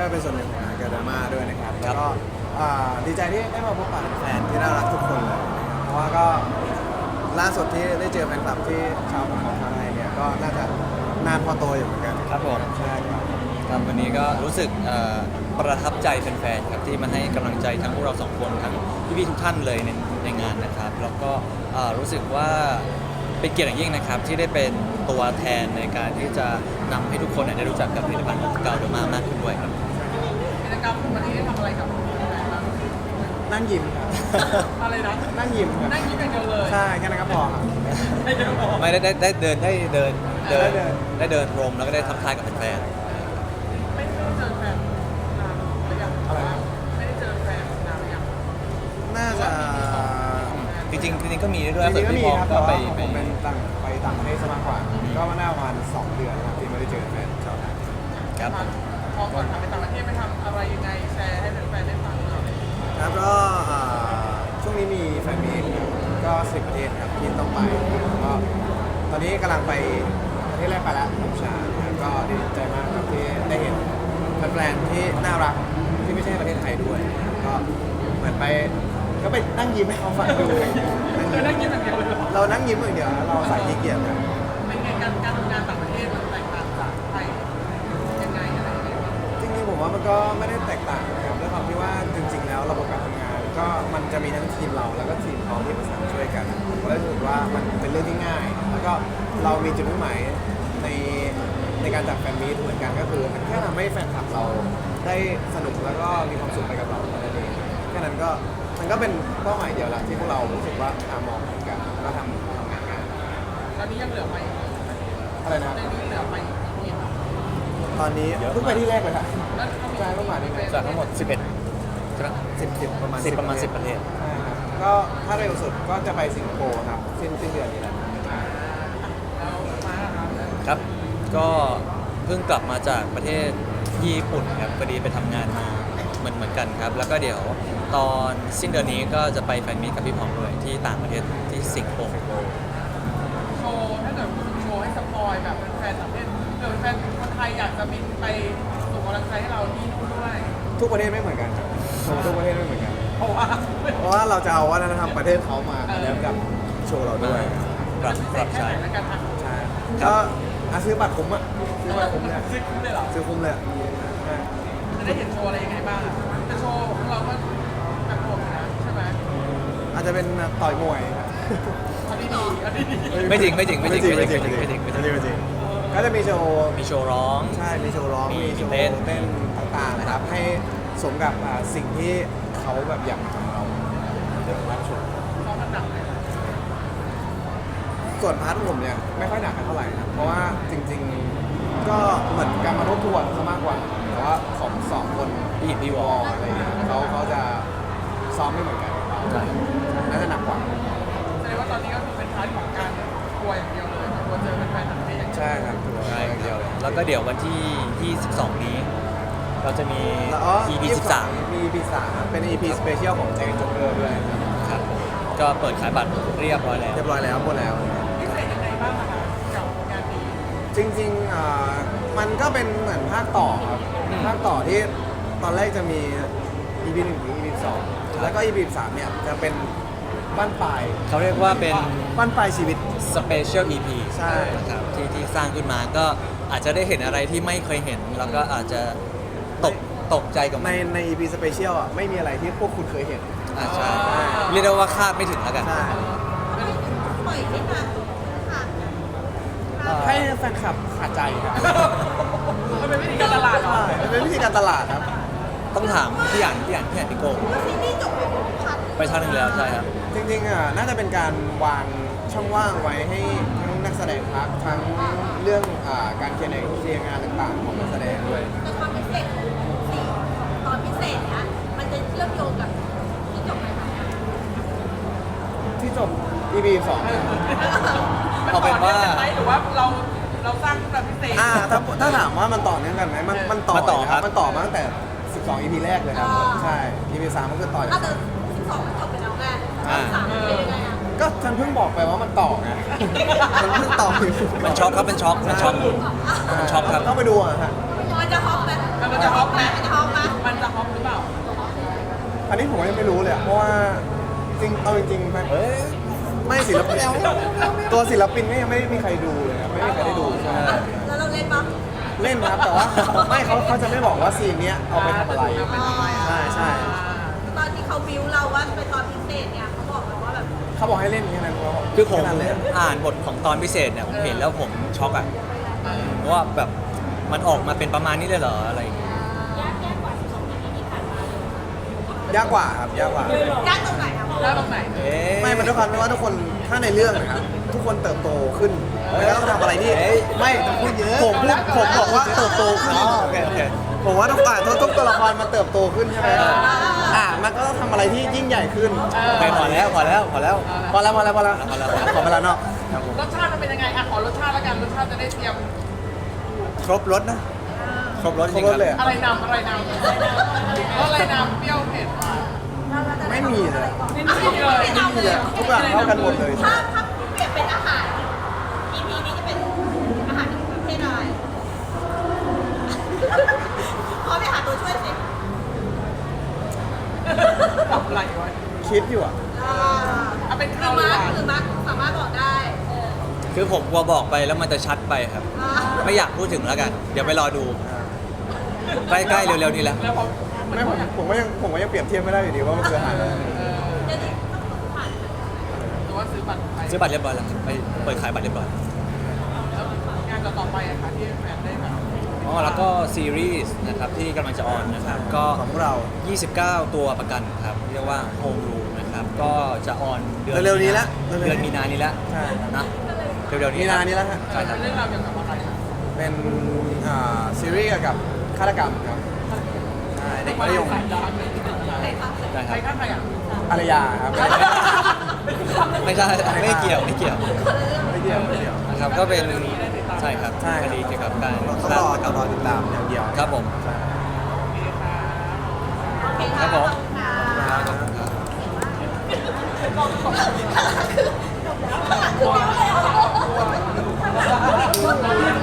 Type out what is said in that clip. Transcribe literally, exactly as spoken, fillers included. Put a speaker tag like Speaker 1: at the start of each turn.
Speaker 1: ก็เป็นส่วนหนึ่งของงานกาดราม่าด้วยนะครับแล้วก็อ่าดีใจที่ได้มาพบปะแฟนที่น่ารักทุกคนเลยนะครับเพราะว่าก็ล่าสุดที่ได้เจอแฟนคลับที่ชาวของไทยเนี่ยก็น่าจะนานพอโตอยู่เหมือนกัน
Speaker 2: ครับผม
Speaker 1: ใช่ครับ
Speaker 2: ครับวันนี้ก็รู้สึกเอ่อประทับใจแฟนๆครับที่มาให้กำลังใจทั้งพวกเราสองคนทั้งพี่ๆทุกท่านเลยในในงานนะครับแล้วก็เอ่อรู้สึกว่าเป็นเกียรติอย่างยิ่งนะครับที่ได้เป็นตัวแทนในการที่จะนำให้ทุกคนเนี่ยได้รู้จักกับผลิตภัณฑ์ของเกาเดอร์มามากขึ้นด้วยครับ
Speaker 3: กิจกรรมวันนี้ได้ทำอะไรกับแฟนบ้าง
Speaker 1: นั่งยิ้มครับ
Speaker 3: อะไรนะ
Speaker 1: นั่งยิ้มครับ
Speaker 3: นั่งยิ้มอย่างเดียวเลย
Speaker 1: ใช่แค่นั้นก็พอครับ
Speaker 3: ไม่เดี๋ยวบอก
Speaker 2: ไม่ได้ได้ได้เดินได้เดินเดิน
Speaker 1: ได้เดิน
Speaker 2: ได้เดินพรมแล้วก็ได้ทักทายกับแฟน
Speaker 3: ไม่ได้เจอแฟนนานหรือยัง
Speaker 1: อะไรนะ
Speaker 3: ไม่ได้เจอแฟนนานหรือยัง
Speaker 1: น่าจะ
Speaker 2: ๆจริงๆจริงๆก็มีด้วย
Speaker 1: จริงๆก็มี
Speaker 2: พี่
Speaker 1: ครับ
Speaker 2: ก็
Speaker 1: แต่
Speaker 2: ไป
Speaker 1: ว่า
Speaker 2: ไป
Speaker 1: ผมเป็นต่างไปต่างประเทศซะมากกว่า ก็มาหน้าประมาณสองเดือนครับที่ไม่ได้เจอแฟนชาวไทย
Speaker 2: ครับ
Speaker 3: พอก่อนทำไปต่างประเทศไปทำอะไรยังไงแชร์ให้แฟนๆได้ฟังหน่อย
Speaker 1: ครับก็อ่าช่วงนี้มีแฟนมีตก็สิบประเทศครับที่ต้องไปก็ตอนนี้กำลังไปประเทศแรกไปแล้วกัมพูชานะครับก็ดีใจมากครับที่ได้เห็นแฟนๆที่น่ารักที่ไม่ใช่ประเทศไทยด้วยนะครับก็เหมือนไปก็ไปนั่งยิ้มให้เขาฟังดู
Speaker 3: คือนั่งยิ้มอย่างเดียวเลยเหรอ
Speaker 1: เรานั่งยิ้มอย่างเดียวนะเราใส่ขี้เกียจครับ
Speaker 3: เป็นไงการการทำงานต่างประเทศมันแตกต่างจากไทยยังไงอะไรยังไงบ้าง
Speaker 1: จริงๆผมว่ามันก็ไม่ได้แตกต่างนะครับด้วยความที่ว่าจริงๆแล้วระบบการทำงาน ก็มันจะมีทั้งทีมเราแล้วก็ทีมเขาที่ประสานช่วยกันผมก็รู้สึกว่ามันเป็นเรื่องที่ง่าย แล้วก็เรามีจุดมุ่งหมายในในการจัดแฟนมีตเหมือนกันก็คือแค่ทำให้แฟนคลับเราได้สนุกแล้วก็มีความสุขไปกับเราเท่านั้นเองแค่นั้นก็มันก็เป็นเป้าหมายเดียวละที่พวกเรารู้สึกว่าอ่ามองเหมือนกันก็ทำทำงานกัน
Speaker 3: ตอนนี้ยังเหลือไป
Speaker 1: อะไรนะ
Speaker 3: ตอนนี้เหลือไปอีกกี่
Speaker 1: ตอนนี้เพิ่งไปที่แรกเลยค่ะ
Speaker 3: แล้วเขามี
Speaker 1: ใช่เพิ่งมาที่แรก
Speaker 2: จากทั้งหมดสิบเอ็ดใช่ไหม
Speaker 1: สิบสิบประมาณ
Speaker 2: สิบประมาณสิบประเทศ
Speaker 1: ใช่ครับก็ถ้าเร็วสุดก็จะไปสิงคโปร์ครับสิ้นสิ้นเดือนนี้แหละ
Speaker 3: แล้วมาครับ
Speaker 2: ครับ ก็เพิ่งกลับมาจากประเทศญี่ปุ่นครับพอดีไปทำงานมาเหมือนเหมือนกันครับ แล้วก็เดี๋ยวตอนสิ้นเดือนนี้ก็จะไปแฟนมีตกับพี่พองด้วยที่ต่างประเทศที่สิงคโปร์
Speaker 3: โชว์ถ้าเกิดคุณโชว์ให้สปอยแบบแฟนต่างประเทศเกิดแฟนคนไทยอยากจะบินไปส่งกำลังใจให้เราที่นู่นด้วย
Speaker 1: ทุกประเทศไม่เหมือนกันครับทุกประเทศไม่เหมือนกัน
Speaker 3: เพราะว่า
Speaker 1: เพราะว่าเราจะเอาวัฒนธรรมประเทศเขามาแล้วกับโชว์เราด้วย
Speaker 2: ปรับปรับ
Speaker 3: แค่
Speaker 2: ใช้
Speaker 3: ไหนแล้วกันอ่ะ
Speaker 1: ใช่ก็อ่ะซื้อบัตรคุ้มอ่ะซื้อบัตรคุ้มเนี่ย
Speaker 3: ซื้อคุ้มเลยเหรอ
Speaker 1: ซื้อคุ้มเลยอะใช่
Speaker 3: จะได้เห็นโชว์อะไรยังไงบ้างอะแต่โชว์ของเราก็แบบโหดอยู่นะใช่ไหม
Speaker 1: อาจจะเป็นต่อยมวย
Speaker 3: อันนี้ดีอันนี้ดี
Speaker 2: ไม่จริงไม่จริงไม่จริง
Speaker 1: ไม่จริง
Speaker 2: ไม่
Speaker 1: ไม่
Speaker 2: จ
Speaker 1: จ
Speaker 2: ริ
Speaker 1: ริ
Speaker 2: ง
Speaker 1: ง
Speaker 2: ไม่
Speaker 1: ไม่
Speaker 2: จ
Speaker 1: จ
Speaker 2: ริ
Speaker 1: ริ
Speaker 2: ง
Speaker 1: ง
Speaker 2: ไม่จริง
Speaker 1: ไม่จริงก็จะมีโชว์
Speaker 2: มีโชว์ร้อง
Speaker 1: ใช่มีโชว์ร้อง
Speaker 2: มี
Speaker 1: มีโชว์
Speaker 2: เต้น
Speaker 1: เต้นต่างๆนะครับให้สมกับอ่าสิ่งที่เขาแบบอยากทำเราเดี๋ยวรับชม
Speaker 3: ซ้อมมันหนักไหม
Speaker 1: ส่วนพาร์ทของผมเนี่ยไม่ค่อยหนักกันเท่าไหร่นะเพราะว่าจริงๆก็เหมือนการมาทบทวนซะมากกว่าแต่ว่าของสองคน
Speaker 2: พี่หินพี่ว
Speaker 1: ว
Speaker 2: อ
Speaker 1: อลอะไรอย่างเงี้ยเขาเขาจะซ้อมไม่เหมือนกันน่าจะหนักกว่า
Speaker 3: แสดงว่าตอนนี้ก็คือเป็นพาร์ทของการกลัวอย่างเดียวเลยกลัวเจอแฟนๆต่างประเทศอย่างเดียว
Speaker 1: ใช่ครับตัว
Speaker 2: ใช่
Speaker 1: อย่าง
Speaker 2: เดี
Speaker 1: เดี
Speaker 2: ย
Speaker 1: ยว ว
Speaker 2: แล้วก็เดี๋ยววันที่ยี่สิบสองนี้ เราจะมี
Speaker 1: แล้วอ๋อ
Speaker 2: อี พี สิบสาม
Speaker 1: มี อี พี สามเป็น อี พี สเปเชียลของแจ็คจ็อกเกอร์ด้วยครับ
Speaker 2: ครับก็เปิดขายบัตรเรียบร้อยแล้ว
Speaker 1: เรียบร้อยแล้วหมดแล้ว
Speaker 3: พิเศษยังไงบ้างอะคะกับงานนี้
Speaker 1: จริงๆอ่ามันก็เป็นเหมือนภาคต่อครับภาคต่อที่ตอนแรกจะมี อี พี หนึ่งถึง อี พี สองแล้วก็ อี พี สามเนี่ยจะเป็นบ้านปลาย
Speaker 2: เขาเรียกว่าเป็น
Speaker 1: บ้านปลายชีวิต
Speaker 2: สเปเชียล อี พี
Speaker 1: ใช่
Speaker 2: ครับที่ที่สร้างขึ้นมาก็อาจจะได้เห็นอะไรที่ไม่เคยเห็น แล้วก็อาจจะตกตกใจกับ
Speaker 1: ใน
Speaker 2: มัน
Speaker 1: ใน อี พี สเปเชียลอ่ะไม่มีอะไรที่พวกคุณเคยเห็น
Speaker 2: อ่าใช่เรียกได้ว่าคาดไม่ถึงแล้วกัน
Speaker 1: ใช่
Speaker 4: ปล่อยให้มาค่ะ
Speaker 1: ให้แฟนคลับขาดใจครับ
Speaker 3: มันเป็นวิธีการตลาดเหรอ
Speaker 1: ใช่มันเป็นวิธีการตลาดครับ
Speaker 2: ต้องถามพี่หยานพี่หยานพี่หยานพี่โก้
Speaker 4: ซีรีส์จบไปพัน
Speaker 2: ไปชาติหนึ่งแล้วใช่ครับ
Speaker 1: จริงๆอ่ะน่าจะเป็นการวางช่องว่างไว้ให้ทั้งนักแสดงพักทั้งเรื่องอ่าการเคลียร์ในเคลียร์งานต่างๆของนักแสดงด้วย
Speaker 4: แต่ความพิเศษของสี่ตอนพิเศษนะมันจะเชื่อมโยงกับที่จบไปพัน
Speaker 1: ที่จบ อี พี สอง
Speaker 2: เอาเป็นว่า
Speaker 3: มันต่อนื่องกันไหมหรือว่าเราเราสร้างแบบพิเศษ
Speaker 1: อ่าถ้าถ้าถามว่ามันต่อเนื่องกันไหมมันมันต่อ
Speaker 2: มันต่อ
Speaker 1: เลย
Speaker 2: ครับ
Speaker 1: มันต่อมาตั้งแต่ สิบสอง อี พี แรกเลยครับใช่ อี พี สามก็คือต่อจาก
Speaker 4: เอาแต่สิบสองมันจบไปแล้วไงสามเป็นยังไงอ่ะ
Speaker 1: ก็ฉันเพิ่งบอกไปว่ามันต่อไงมันเพิ่งต่ออยู่
Speaker 2: มันช็อกครับเป็นช็อกมันช็อก มันช็อกครับ
Speaker 1: ต้องไปดูอ่ะฮะ
Speaker 4: มันจะฮอปไหม
Speaker 3: มันจะฮอปไหม
Speaker 4: มันจะฮอป
Speaker 1: อันนี้ผมก็ยังไม่รู้เลยอะเพราะว่าจริงเอาจริงๆมันเอ้ยไม่ศิลปินตัวศิลปินก็ยังไม่มีใครดูเลยครับไม่มีใครได้ดูใช่
Speaker 4: แล้วเราเล่นปะ
Speaker 1: เล่นนะครับแต่ว่าไม่เขาเขาจะไม่บอกว่าซีนเนี้ยเอาไปทำอะไร ใช่ใช่
Speaker 4: ตอนที่เขาบิวเราว่าเป็นตอนพิเศษเนี่ยเขาบอกเราว่าแบบ
Speaker 1: เขาบอกให้เล่นแค่นั้นเขาบอก
Speaker 2: คือผม
Speaker 1: แนั้นเลย
Speaker 2: อ่านบทของตอนพิเศษเนี่ยผมเห็นแล้วผมช็อกอ่ะเพราะว่าแบบมันออกมาเป็นประมาณนี้เลยเหรออะไรอย่างเงี้ย
Speaker 1: ยากกว่าครับยากกว่า
Speaker 4: ยากตรงไหนครับ
Speaker 3: แล้วตรงไหน
Speaker 2: เอ๊ะ
Speaker 1: ไม่มันด้วยความที่ว่าทุกคนถ้าในเรื่องนะครับทุกคนเติบโตขึ้นแล้วต้องทำอะไรที่ไม่ผมพูดเยอะผมพูดผมบอกว่าเติบโตขึ้น
Speaker 2: อ๋อโอเคโอเค
Speaker 1: ผมว่าทุกอ่าทุกทุกตัวละครมันเติบโตขึ้นใช่ไหมอ่ามันก็ต้องทำอะไรที่ยิ่งใหญ่ขึ้น
Speaker 2: โอเคพอแล้วพอแล้วพอแล้ว
Speaker 1: พอแล้วพอแล้วพอแล้ว
Speaker 2: พอแล้ว
Speaker 1: ขอเวลานอก
Speaker 2: ครับผม
Speaker 3: รสชาติมันเป็นยังไงอ่ะขอรสชาติแล้วกันรสชาติจะได้เตรียม
Speaker 2: ครบรสนะครบรสจ
Speaker 1: คร
Speaker 2: ริ
Speaker 1: บ
Speaker 2: ง
Speaker 1: ร
Speaker 2: ค
Speaker 1: ถ
Speaker 2: รับ
Speaker 1: เลยอะ
Speaker 3: อะไรนำอะไรนำอะไรนำเปรี้ยวเผ็ดหวาน
Speaker 1: ไม่มีเลย
Speaker 3: ไม่มีเลย
Speaker 1: ไม่มีเลยทุกอย่างเท่ากันหมดเลย
Speaker 4: ถ้าถ้าเปลี่ยนเป็นอาหาร อี พี นี้จะเป็นอาหารประเภทอะไรขอไปหาตัวช่วยสิ
Speaker 3: ตอบอะไรวะ
Speaker 1: คิดอยู่อ่ะ
Speaker 4: อ่า
Speaker 3: เอาเป็น
Speaker 4: คื
Speaker 3: ข้า
Speaker 4: อ
Speaker 3: วห
Speaker 4: มาร์
Speaker 3: วา
Speaker 4: คน คือมาร์คสามารถบอกได้เออ
Speaker 2: คือผมกลัวบอกไปแล้วมันจะชัดไปครับ
Speaker 4: อ่า
Speaker 2: ไม่อยากพูดถึงแล้วกัน เดี๋ยวไปรอดู ใกล้ๆเร็วๆนี้แหละ
Speaker 3: แล้วพอ
Speaker 1: ไม่ผมผมก็ยังผมก็ยังเปรียบเทียบไม่ได้อยู่ดีว่ามันคืออาหารอะไร
Speaker 4: เดี๋ยวนี้ต้องผ่าน
Speaker 3: หรือว่าซื้อบัตรไป
Speaker 2: ซื้อบัตรเรียบร้อยแล้วครับไปเปิดขายบัตรเรียบร้อย
Speaker 3: แล้วงานต่อไปอะค่ะที่แฟนได้แบบ
Speaker 2: อ๋อแล้วก็ซีรีส์นะครับที่กำลังจะออนนะครับ ก็
Speaker 1: ของพวกเรา
Speaker 2: ยี่สิบเก้า ตัวประกันครับเรียกว่า Home Room นะครับ ก็จะออนเดือน
Speaker 1: เร็วๆนี้ละ
Speaker 2: เดือนมีนานี้แล้ว
Speaker 1: ใช่ครับ
Speaker 2: นะเร็วๆนี้
Speaker 1: มีนานี้แล้วฮะ
Speaker 2: ใช่ครับ
Speaker 3: เรื่องราวเกี่ยวกับอะไรอะ
Speaker 1: เป็นอ่าซีรีส์เกี่ยวกับฆาตกรรมครับใช่เด็กมัธยม
Speaker 3: สายดาร์กเลย
Speaker 4: ใครคะ
Speaker 2: ได้ค
Speaker 3: ใคร
Speaker 2: รับ
Speaker 3: ฆ่าใครอ่ะ
Speaker 1: อารยาครับ
Speaker 2: ไม่ใช่ไม่เกี่ยวไม่เกี่ยว
Speaker 1: ไม่เดียวไม่เดียว
Speaker 2: นะครับก็เป็นใช่ครับ
Speaker 1: ใช่
Speaker 2: คดีเกี่ยวกับการ
Speaker 1: ต้องรอต้องรอติดตามอย่างเดียว
Speaker 2: ครับผม
Speaker 1: ใช่
Speaker 4: โอเค
Speaker 2: ครับผม
Speaker 4: ค่ะ
Speaker 2: ขอบคุณครับ
Speaker 4: คือจบแล้วคือเดียวเลยเหรอ